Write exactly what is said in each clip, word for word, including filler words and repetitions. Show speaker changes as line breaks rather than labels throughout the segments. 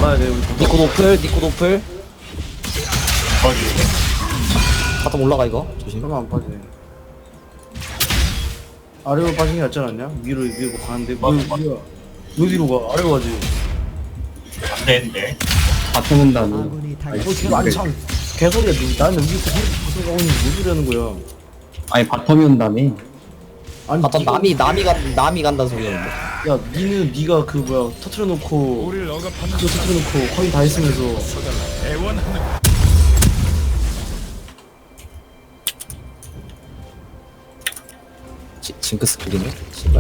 막아야 돼. 우리
니코 노플 니코 노플
거기
바텀 올라가 이거 조심.
그러면 안 빠지네. 아래로 빠진 게 낫지 않았냐? 위로 위로 가는데 뭐
맞아, 맞아.
뭐야? 어디로 가? 아래로 가지.
안 되는데.
바텀 온다는.
아군이 당
어 지금 아니 참 개소리야. 너, 나는 여기 있고 무슨 가고 있는데 뭐 소리 하는 거야?
아니 바텀이 온다며.
아니
바텀
니가-
남이 남이 간 남이 간다는 소리였는데.
야 니는 니가 그 뭐야 터트려 놓고
우리를 억압하는
그거 터트려 놓고 거의 다 했으면서
애원하는
지, 징크스 그리네 씨발.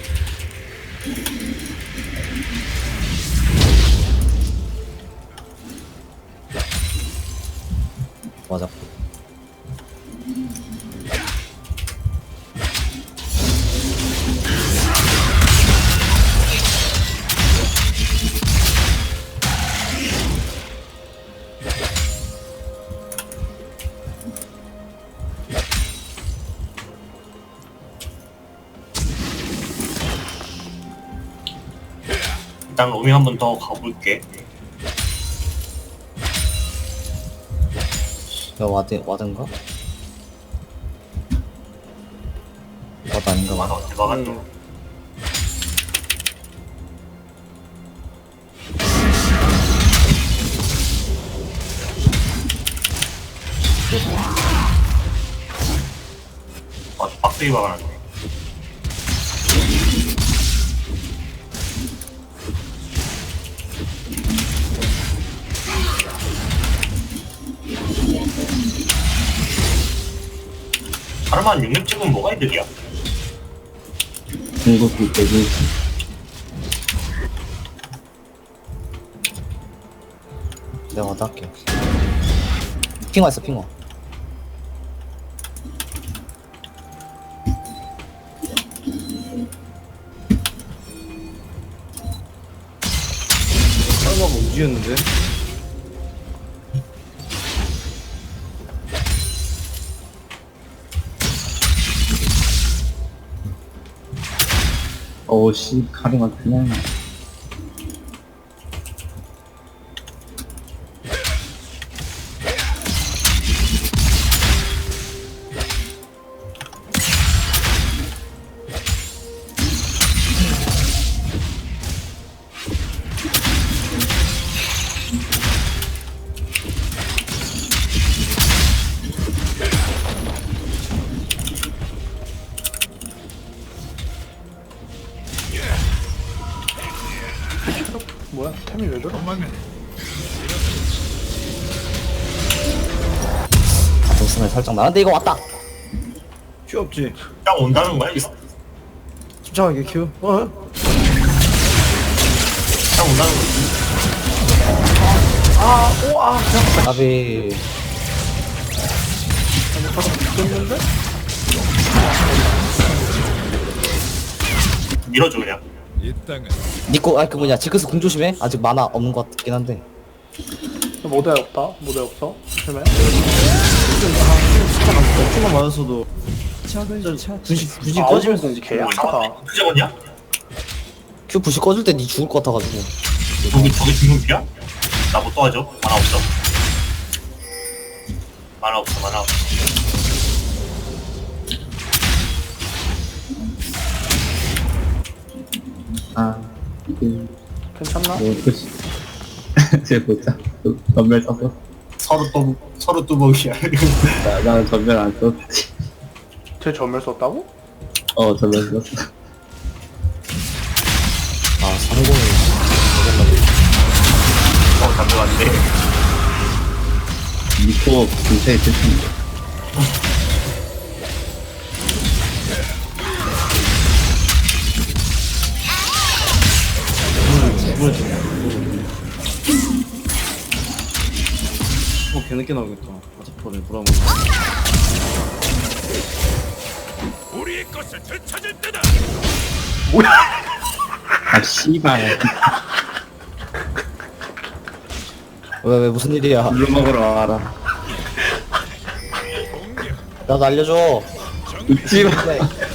맞아.
일단 로밍 한 번 더 가볼게.
야 와드 와든가? 와드 아닌가
맞아,
봐.
어떻게 막았어? 아, 빡세게 막아놨네. 하루만 육육 찍으면 뭐가 이득이야?
중국이 되기.
내가 와드 할게. 핑화 있어 핑화.
설마가 우지였는데.
어우씨 카리가 그냥.
뭐야? 템이 왜 저러?
도망을
바텀 스멜 살짝 나는데 이거 왔다.
큐 없지.
딱 온다는 거야, 이거?
침착하게 큐. 어?
딱 온다는 거지.
나비
됐는데?
밀어줘, 그냥.
이 땅은
니코 아그 뭐냐 징크스 궁 조심해. 아직 만화 없는 것 같긴 한데.
모델 없다. 모델 없어. 설마? 큐만 맞았어도 굳이 굳이 꺼지면서 이제 개 약하다.
그 잡았냐?
큐 부시 꺼줄 때 니 죽을 것 같아가지고.
저기, 저기 중국이야? 나 못 도와줘. 만화 없어. 만화 없어, 만화 없어.
아. 그.
괜찮나?
뭐 그치. 제 보자. 전멸 썼어.
서로 또, 서로 뚜벅이야.
나 나는 전멸 안 썼지.
쟤 전멸 썼다고?
어 전멸 썼어.
아 상공이.
어, 잠깐만데.
니코 근처에 있을텐데.
어 개늦게 나오겠다. 아자퍼래 브라운.
우리의 것을 되찾을 때다.
아 씨발.
왜 왜 무슨 일이야?
물로 먹으러 와라.
공격
나도 알려줘.
웃지 마.
네.